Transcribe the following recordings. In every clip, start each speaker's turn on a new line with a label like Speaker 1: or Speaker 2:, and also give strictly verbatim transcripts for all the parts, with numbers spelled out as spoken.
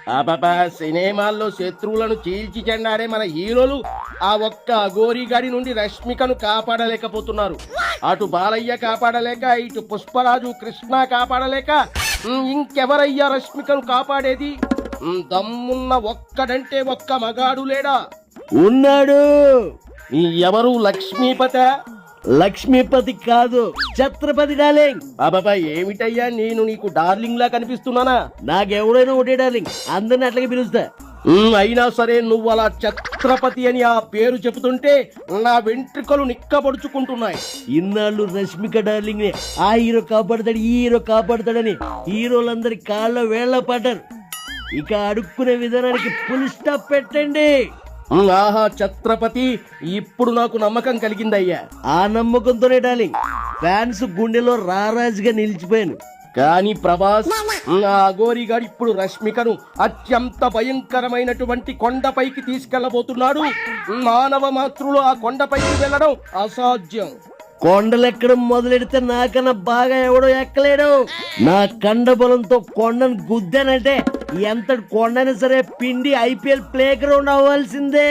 Speaker 1: అబ్బా, సినిమాల్లో శత్రువులను చీల్చి చెండారే మన హీరోలు ఆ ఒక్క అఘోరి గాడి నుండి రష్మికను కాపాడలేకపోతున్నారు. అటు బాలయ్య కాపాడలేక, ఇటు పుష్పరాజు కృష్ణ కాపాడలేక, ఉమ్, ఇంకెవరయ్యా రష్మికను కాపాడేది? ఉమ్, దమ్మున్న ఒక్కడంటే ఒక్క మగాడు లేడా?
Speaker 2: ఉన్నాడు.
Speaker 1: ఈ ఎవరు? లక్ష్మీపత?
Speaker 2: లక్ష్మీపతి కాదు, ఛత్రపతి డార్లింగ్.
Speaker 1: అబ్బా, ఏమిటయ్యా నేను నీకు డార్లింగ్ లా కనిపిస్తున్నానా?
Speaker 2: నాకెవడైనా ఒకటే డార్లింగ్, అందరిని అట్లాగే పిలుస్తా.
Speaker 1: ఉమ్, అయినా సరే నువ్వు అలా ఛత్రపతి అని ఆ పేరు చెబుతుంటే నా వెంట్రుకలు నిక్కబడుచుకుంటున్నాయి.
Speaker 2: ఇన్నాళ్ళు రష్మిక డార్లింగ్ ని ఆ హీరో కాపాడతాడు, ఈ హీరో కాపాడతాడని హీరోలందరి కాళ్ళ వేళ్ల పడ్డారు. ఇక అడుక్కునే విధానానికి ఫుల్ స్టాప్ పెట్టండి.
Speaker 1: ఉమ్, ఆహా ఛత్రపతి, ఇప్పుడు నాకు నమ్మకం కలిగిందయ్యా.
Speaker 2: ఆ నమ్మకంతోనే డార్లింగ్ ఫ్యాన్స్ గుండెలో రారాజుగా నిలిచిపోయాను.
Speaker 1: కానీ ప్రభాస్, ఉమ్, ఆ అఘోరిగాడు ఇప్పుడు రష్మికను అత్యంత భయంకరమైనటువంటి కొండపైకి తీసుకెళ్లబోతున్నాడు. ఉమ్, మానవ మాతృలు ఆ కొండపైకి వెళ్ళడం అసాధ్యం.
Speaker 2: కొండలెక్కడం మొదలెడితే నాకన్నా బాగా ఎవడో ఎక్కలేడు. నా కండ బలంతో కొండను గుద్దానంటే ఎంతటి కొండైనా సరే పిండి ఐపీఎల్ ప్లే గ్రౌండ్ అవ్వాల్సిందే.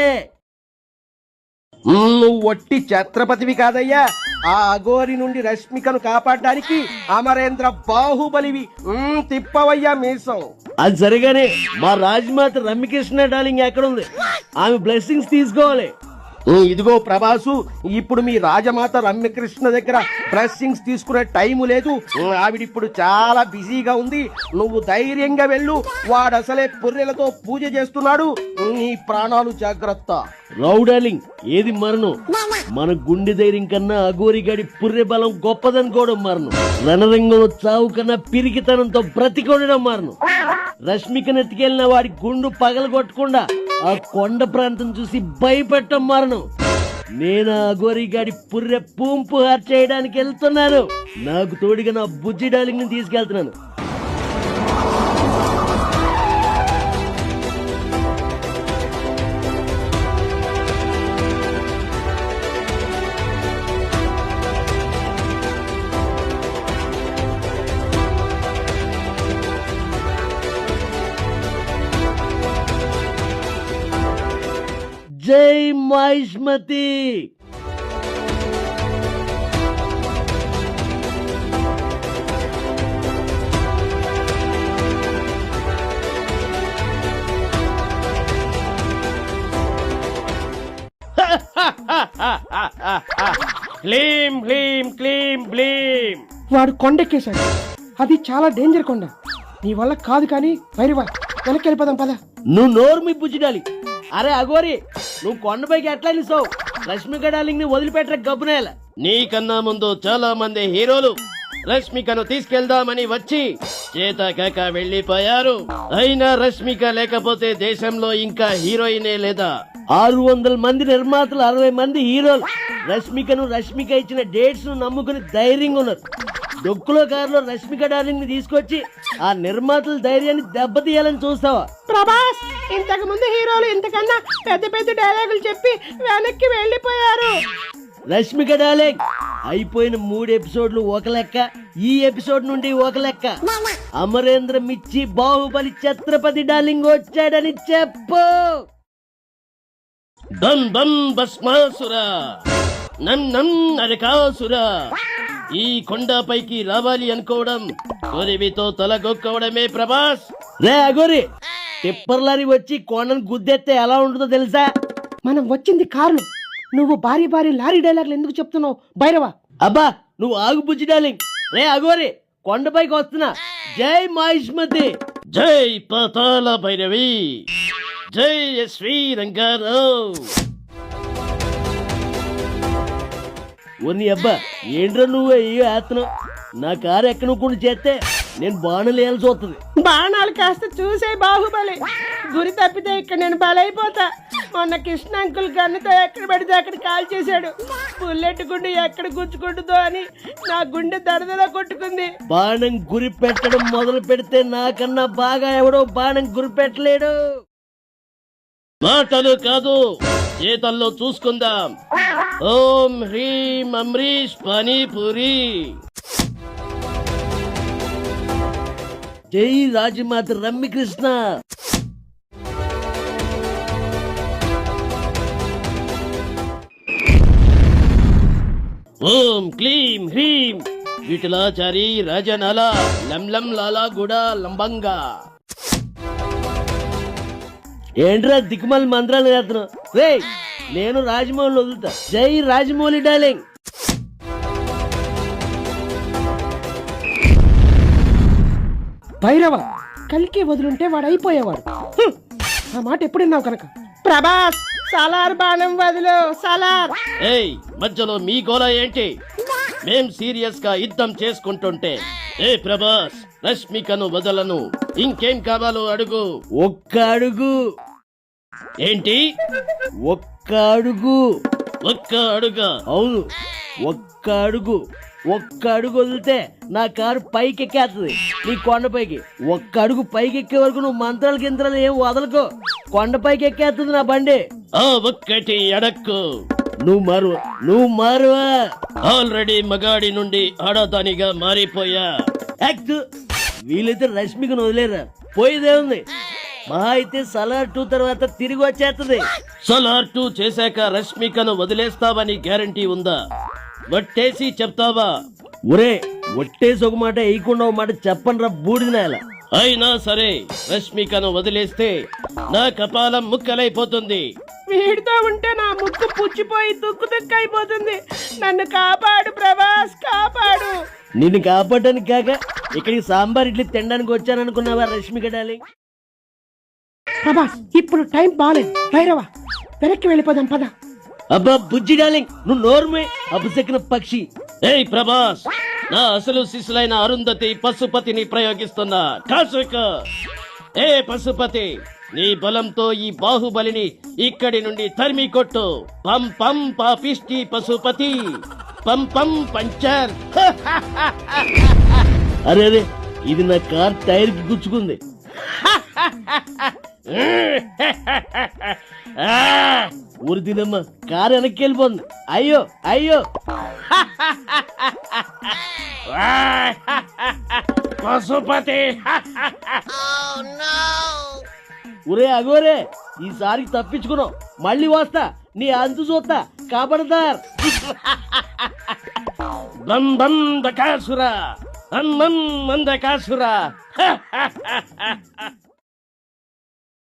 Speaker 1: ఉమ్, నువ్వు ఒట్టి ఛత్రపతివి కాదయ్యా, ఆ అఘోరి నుండి రష్మికను కాపాడడానికి అమరేంద్ర బాహుబలివి. ఉమ్, తిప్పవయ్యా మీసం.
Speaker 2: అది సరిగానే మా రాజమాత రమ్యకృష్ణ డార్లింగ్ ఎక్కడుంది? ఆమె బ్లెస్సింగ్స్ తీసుకోవాలి.
Speaker 1: ఉమ్, ఇదిగో ప్రభాసు, ఇప్పుడు మీ రాజమాత రమ్యకృష్ణ దగ్గర బ్లెస్సింగ్స్ తీసుకునే టైము లేదు. ఉమ్, ఆవిడిప్పుడు చాలా బిజీగా ఉంది. నువ్వు ధైర్యంగా వెళ్ళు. వాడు అసలే పుర్రెలతో పూజ చేస్తున్నాడు. ఉమ్, నీ ప్రాణాలు జాగ్రత్త.
Speaker 2: రావు డార్లింగ్, ఏది మరణం? మన గుండె ధైర్యం కన్నా అఘోరిగాడి పుర్రె బలం గొప్పదనుకోవడం మరణం. రణరంగంలో చావు కన్నా పిరికితనంతో బ్రతికొనడం మరణం. రష్మికను ఎత్తుకెళ్లిన వాడి గుండు పగలగొట్టకుండా ఆ కొండ ప్రాంతం చూసి భయపెట్టడం మరణం. నేను అఘోరిగాడి పుర్రె పూంపు హార్ చేయడానికి వెళ్తున్నాను. నాకు తోడుగా నా బుజ్జి డార్లింగ్ ని తీసుకెళ్తున్నాను. జై మహిష్మతి.
Speaker 1: క్లీం క్లీం క్లీం బ్లీం.
Speaker 3: వాడు కొండెక్కేశాడు. అది చాలా డేంజర్ కొండ. నీ వల్ల కాదు కానీ వైరవా, వెనక్కి వెళ్ళిపోదాం పద.
Speaker 2: నువ్వు నోరు మీ బుజ్జి డార్లింగ్. అరే అఘోరి, నువ్వు కొండపైకి ఎట్లా నిలుస్తావు? రష్మిక డార్లింగ్ ని వదిలిపెట్టర గబ్బునేల.
Speaker 1: నీకన్నా ముందు చాలా మంది హీరోలు రష్మికను తీసుకెళ్దామని వచ్చి చేత కాక వెళ్లిపోయారు. అయినా రష్మిక లేకపోతే దేశంలో ఇంకా హీరోయినే లేదా?
Speaker 2: ఆరు వందల మంది నిర్మాతలు, అరవై మంది హీరోలు రష్మికను రష్మిక ఇచ్చిన డేట్స్ ను నమ్ముకుని ధైర్యంగా ఉన్నారు. డొక్కులో కారులో రష్మిక డార్లింగ్ ని తీసుకొచ్చి ఆ నిర్మాతల ధైర్యాన్ని దెబ్బతీయాలని చూస్తావా?
Speaker 3: ప్రభాస్, ఇంతకు ముందు హీరోలు ఇంతకన్నా పెద్ద పెద్ద డైలాగులు చెప్పి వెనక్కి వెళ్ళిపోయారు.
Speaker 2: రష్మిక డార్లింగ్, అయిపోయిన మూడు ఎపిసోడ్లు ఒక లెక్క, ఈ ఎపిసోడ్ నుండి ఒక లెక్క. అమరేంద్ర మిచ్చి బాహుబలి ఛత్రపతి డార్లింగ్ వచ్చాడని చెప్పు.
Speaker 1: బం బం భస్మాసురా, నం నం నరకాసురా. ఈ కొండపైకి రావాలి అనుకోవడం కొరివితో తలగొక్కవడమే ప్రభాస్.
Speaker 2: రే అఘోరి, టిప్పర్ లారీ వచ్చి కొండను గుద్దెత్తే ఎలా ఉంటుందో తెలుసా?
Speaker 3: మనం వచ్చింది కారులో, నువ్వు భారీ భారీ లారీ డైలాగులు ఎందుకు చెప్తున్నావు భైరవా?
Speaker 2: అబ్బా నువ్వు ఆగు బుజ్జి డార్లింగ్. రే అఘోరి, కొండపైకి వస్తున్నా. జై మహిష్మతి.
Speaker 1: జై పాతాళ భైరవి. జై శ్రీ రంగారావు.
Speaker 2: ఓని అబ్బా, ఏంట్రా నువ్వు అయ్యో వేస్తున్నావు? నా కారు ఎక్కనుకుండా చేస్తే నేను బాణాలు వేయాల్సి వస్తుంది.
Speaker 3: బాణాలు కాస్త చూసే బాహుబలి, గురి తప్పితే ఇక్కడ నేను బలైపోతా. మొన్న కృష్ణ అంకుల్ గన్నుతో ఎక్కడ పడితే అక్కడ కాల్ చేశాడు. బుల్లెట్ గుండె ఎక్కడ గుచ్చుకుంటుందో అని నా గుండె దడదలా కొట్టుకుంది.
Speaker 2: బాణం గురి పెట్టడం మొదలు పెడితే నాకన్నా బాగా ఎవడో బాణం గురి పెట్టలేడు.
Speaker 1: మాటలు కాదు, చేతల్లో చూసుకుందాం. ఓం హ్రీం అమ్రీష్ పానీపూరి.
Speaker 2: జై రాజమాత రమ్యకృష్ణ.
Speaker 1: ఓం క్లీం హ్రీం విఠలాచారి రాజనాల లం లం లాలా గుడ లంబంగా.
Speaker 2: ఏంట్రా దిక్కుమాలి మంత్రాలు చేస్తున్నావు? రే నేను రాజమౌళి వదులుతా. జై రాజమౌళి డార్లింగ్.
Speaker 3: భైరవ కలికి వదులుంటే వాడు అయిపోయేవాడు. హ్మ్. ఆ మాట ఎప్పుడున్నావు కనుక. ప్రభాస్ సలార్ బాణం వదులు సలార్.
Speaker 1: ఏయ్ మధ్యలో మీ గోల ఏంటి? మేం సీరియస్ గా యుద్ధం చేసుకుంటుంటే ఏ ప్రభాస్ రష్మికను వదలను, ఇంకేం కావాలో అడుగు.
Speaker 2: ఒక్క అడుగు.
Speaker 1: ఏంటి
Speaker 2: ఒక్క అడుగు.
Speaker 1: ఒక్క అడుగా?
Speaker 2: అవును, ఒక్క అడుగు. ఒక్క అడుగు వదిలితే నా కారు పైకెక్కేస్తుంది నీ కొండపైకి. ఒక్క అడుగు పైకెక్కే వరకు నువ్వు మంత్రాలు గింత్రాలు ఏం వదలకో. కొండపైకి ఎక్కేస్తుంది నా బండి.
Speaker 1: ఆ ఒక్కటి అడక్కు.
Speaker 2: నువ్వు మారువ నువ్వు మారువా.
Speaker 1: ఆల్రెడీ మగాడి నుండి ఆడదానిగా మారిపోయా.
Speaker 2: యాక్ట్. వీలైతే రష్మికను వదిలేరా, పోయేదే ఉంది. మహా అయితే సలార్ టూ తర్వాత తిరిగి వచ్చేస్తుంది.
Speaker 1: సలార్ టూ చేశాక రష్మికను వదిలేస్తావని గ్యారంటీ ఉందా? వట్టేసి చెప్తావా?
Speaker 2: ఒరే ఒట్టేసి ఒక మాట వేయకుండా ఒక మాట చెప్పండి రా బూడిద నేల.
Speaker 1: అయినా సరే రష్మికను వదిలేస్తే నా కపాలం ముక్కలైపోతుంది.
Speaker 3: వీడితో ఉంటే నా ముక్కు పుచ్చిపోయి తుక్కు తుక్కు అయిపోతుంది. నన్ను కాపాడు ప్రభాస్, కాపాడు.
Speaker 2: నిన్ను కాపాడడానికి కాక ఇక్కడికి సాంబార్ ఇడ్లీ తినడానికి వచ్చాననుకున్నావా రష్మిక డార్లింగ్?
Speaker 3: ప్రభాస్ ఇప్పుడు టైం బాలేదు. భైరవ వెనక్కి వెళ్ళిపోదాం పద.
Speaker 2: అబ్బా బుజ్జి డార్లింగ్, నువ్వు నోర్మే అపశకున పక్షి.
Speaker 1: ఏయ్ ప్రభాస్, నా అసలు శిశులైన అరుంధతి పశుపతిని ప్రయోగిస్తున్నా. కాసుక. ఏ పశుపతి, నీ బలంతో ఈ బాహుబలిని ఇక్కడి నుండి తరిమి కొట్టు. పం పం పాపిష్టి పశుపతి, పం పం పంచర్.
Speaker 2: అరే అరే ఇది నా కార్ టైర్ కి గుచ్చుకుంది. ఊరి తినమ్మా, కారు వెనక్కి వెళ్ళిపోతుంది. అయ్యో అయ్యో.
Speaker 1: పశుపతి.
Speaker 2: ఒరే అగోరే, ఈసారికి తప్పించుకున్నావు. మళ్ళీ వస్తా, నీ అంతు చూస్తా. కాపాడతార్.
Speaker 1: బం బం బకాసుర, అమ్మం మందకాసుర.